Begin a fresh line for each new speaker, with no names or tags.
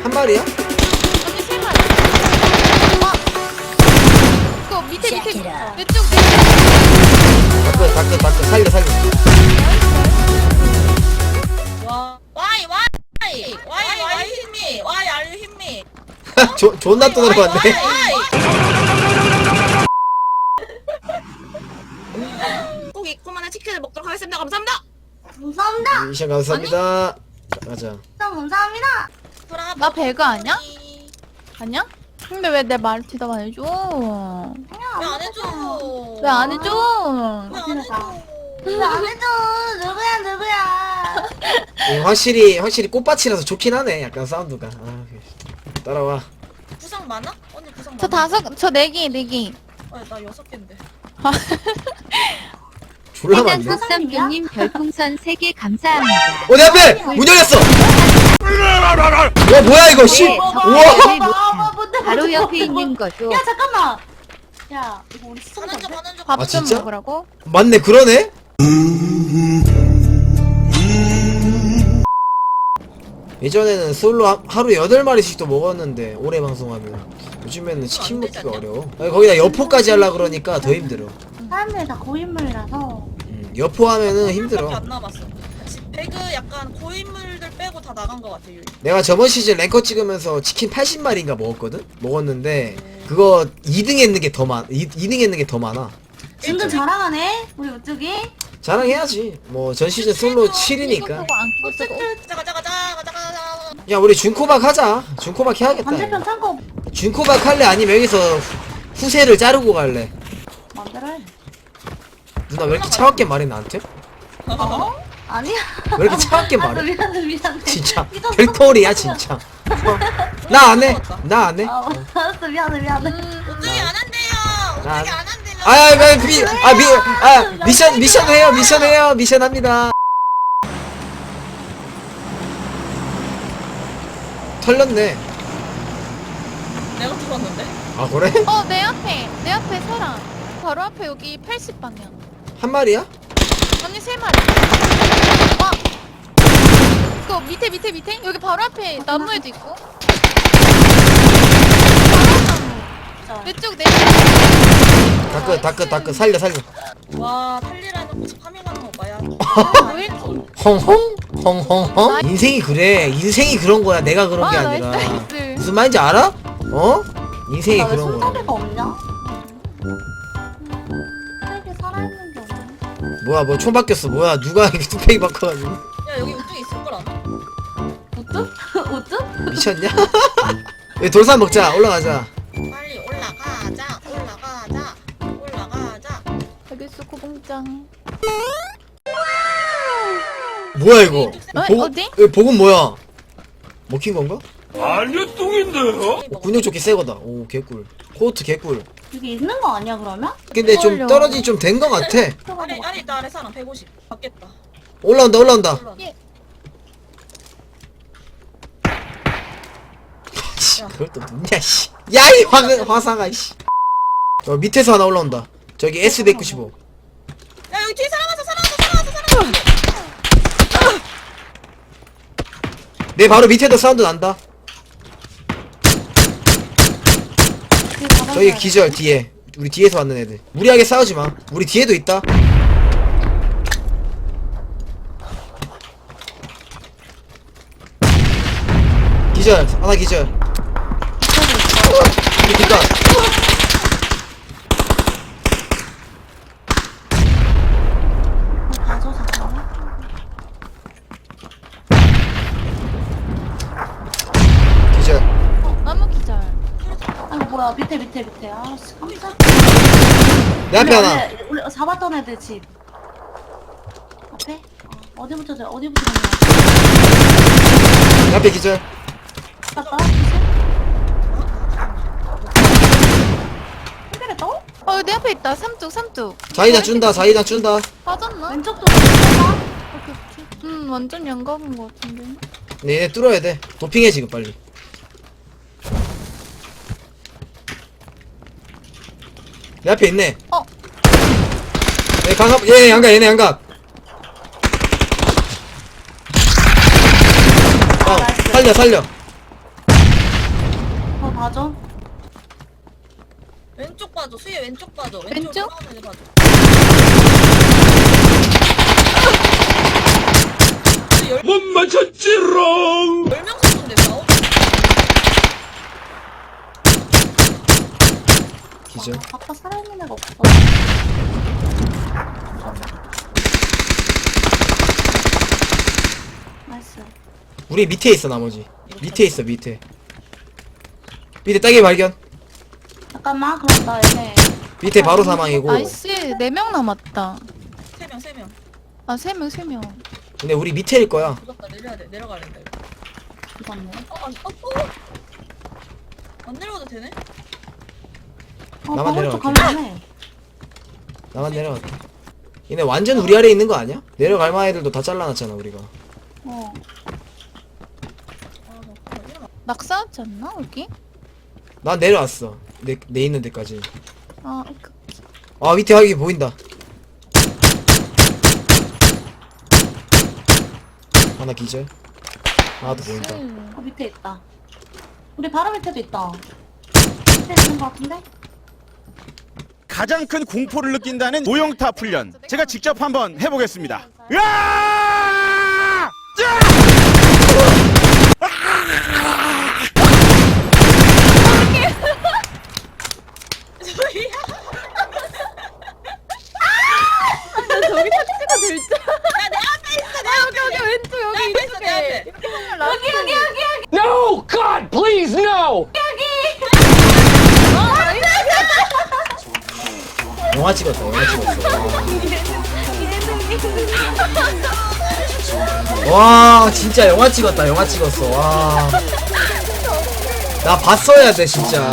한 마리야?
언니 세 마리. 그거 밑에 내 쪽.
다크 살려
와이 힘미 와이 알류 힘미
존나 또 들어갔네.
꼭 입구만의 치킨을 먹도록 하겠습니다. 감사합니다.
감사합니다.
미션 감사합니다. 가자.
감사합니다.
나 배가 아니야? 아니야? 근데 왜 내 말 대답 안 해줘?
왜 안 해줘?
왜 안 해줘?
왜 안 해줘?
왜 안 해줘? 누구야?
확실히 꽃밭이라서 좋긴 하네. 약간 사운드가. 아, 따라와.
부상 많아? 언니 부상
저
많아?
저 4개.
나 6개인데.
졸라 많네.
흑삼교님 별풍선 3개 감사합니다.
내 앞에 문 열렸어. 와 뭐야 이거 씨. 우와.
바로 옆에 있는 거죠.
야 잠깐만. 야 이거 우리 시청자.
가는 중.
아,
밥 좀
진짜?
먹으라고?
맞네 그러네. 예전에는 솔로 하루 8마리씩도 먹었는데 오래 방송하면 요즘에는 치킨 먹기가 어려워. 아니, 거기다 여포까지 하려 그러니까 더 힘들어.
사람들이 다 고인물이라서.
여포 하면은 힘들어.
안 남았어. 배그 약간 고인물들 빼고 다 나간 것 같아 유이.
내가 저번 시즌 랭커 찍으면서 치킨 80마리인가 먹었는데 그거 2등 했는 게 더 2등 했는 게 더 많아.
은근 자랑하네 우리 우쪽이.
자랑해야지. 뭐 전 시즌 솔로 7이니까.
이거 보고 안 끼고 쓰고.
가자.
야 우리 준코박 하자. 준코박 해야겠다.
반대편 창고
준코박 할래? 아니면 여기서 후세를 자르고 갈래?
만들어.
누나 왜 이렇게 차갑게 말해 나한테?
어? 아니야.
왜 이렇게 차갑게 말해?
미안해.
진짜
삐졌어.
별토리야 진짜. 나 안 해. 나 안 해.
알았어 미안해.
오뚜기 안 한대요.
나-
오뚜기 안 한대요.
미션 해요. 미션 합니다. 털렸네.
내가 들었는데.
아 그래?
내 앞에 사람. 바로 앞에 여기 80방향.
한 마리야?
언니 3마리. 그거 밑에. 여기 바로 앞에 나무에도 있고. 바로 나무. 내쪽.
다크 살려.
와 탈리라는 거 파밍하는 거 봐야.
왜 이렇게.
헝헝? 인생이 그래. 인생이 그런 거야. 내가 그런 게 아니라.
나이스.
무슨 말인지 알아? 어? 인생이
나왜
그런 거야.
손잡이가 없냐? 손잡이 살아있는 게 없네.
뭐야 뭐 총 바뀌었어. 뭐야 누가 이렇게 뚝배기 바꿔가지고.
야 여기 오뚜기 있을 걸 아나?
우뚝? 우뚝?
미쳤냐? 여기 돌산 먹자. 올라가자.
빨리 올라가자.
알겠어 고봉장.
뭐야 이거?
어디?
이거 복은 뭐야? 먹힌 건가?
아니요 똥인데요?
군용조끼 새거다. 오 개꿀. 코트 개꿀.
여기 있는 거 아니야 그러면?
근데 좀
헐려.
떨어지 좀 된 거 같아.
아래 있다 아래 사람 150 받겠다.
올라온다.
예.
씨, 그걸 또 누냐 씨. 야이 화상아 씨. 저 밑에서 하나 올라온다. 저기 S195.
야 여기 뒤에 사람 왔어.
내 바로 밑에도 사운드 난다. 저기 기절 뒤에. 우리 뒤에서 왔는 애들. 무리하게 싸우지 마. 우리 뒤에도 있다. 기절. 하나 기절. 그니까.
가서 잠깐만.
기절.
나무 기절.
아이고 뭐야 밑에. 아씨 깜짝.
내 앞에 하나.
우리 잡았던 애들 집. 앞에? 어디부터 갔냐?
내 앞에 기절.
갔다. 해결했다고?
내 앞에 있다. 삼뚝.
자이단 준다.
빠졌나?
왼쪽도 갔다.
오케이. 완전 양각인 것 같은데.
네, 얘네 뚫어야 돼. 도핑해 지금 빨리. 내 앞에 있네. 얘 얘네 양각. 살려.
봐줘.
왼쪽 봐줘. 수희 왼쪽 봐줘.
왼쪽?
돌아오는 애 봐줘.
못 맞췄지롱.
10명 정도인데 싸워?
기절.
아까 살아있는 애가 없어. 나이스.
우리 밑에 있어 나머지. 밑에 있어 밑에. 밑에 따개 발견.
잠깐만, 그럼 나 얘네.
밑에 바로 사망이고.
나이스 4명 남았다.
3명.
아 3명.
근데 우리 밑에일 거야.
무섭다. 내려야 돼. 내려가야 된다. 이거.
죽었네.
안 내려가도 되네?
나만
방울 쪽
내려갈게.
가면 해.
나만 내려갈게. 얘네 완전 우리 아래에 있는 거 아니야? 내려갈 만한 애들도 다 잘라놨잖아 우리가.
어.
낙사하지 않나 여기?
난 내려왔어. 내 있는 데까지.
아
아 밑에 여기 보인다. 하나 기절. 하나도 보인다.
밑에 있다. 우리 바로 밑에도 있다. 밑에 있는 거 같은데?
가장 큰 공포를 느낀다는 모형탑 훈련. 제가 직접 한번 해보겠습니다. 으아!
저기 택시가 될 줄.
야, 내 앞에 있어. 내 앞에.
여기 왼쪽 여기
내 앞에 있어. 내 앞에.
여기.
No, God, please, no.
영화 찍었다. 영화 찍었어. 와 진짜 영화 찍었다. 영화 찍었어. 와. 나 봤어야 돼 진짜.